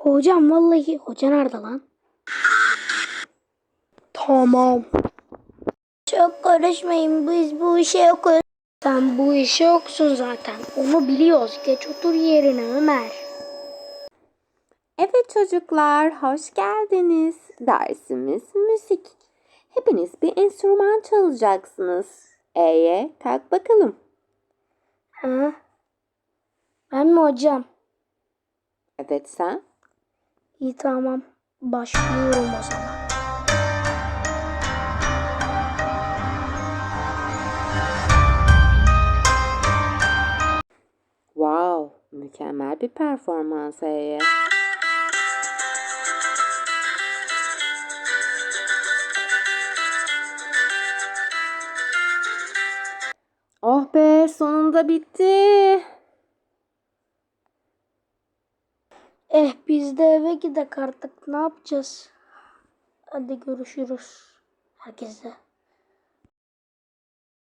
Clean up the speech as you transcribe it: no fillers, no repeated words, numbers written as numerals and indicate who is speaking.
Speaker 1: Hocam vallahi hoca nerede lan? Tamam. Çok karışmayın, biz bu işe yokuz. Sen bu işe yoksun zaten. Onu biliyoruz. Geç otur yerine Ömer.
Speaker 2: Evet çocuklar, hoş geldiniz. Dersimiz müzik. Hepiniz bir enstrüman çalacaksınız. Kalk bakalım.
Speaker 1: Ha? Ben mi hocam?
Speaker 2: Evet sen.
Speaker 1: İyi tamam. Başlıyorum o zaman.
Speaker 2: Wow, mükemmel bir performans Eye. Oh be, sonunda bitti.
Speaker 1: Biz de eve gidek artık. Ne yapacağız? Hadi görüşürüz. Herkese.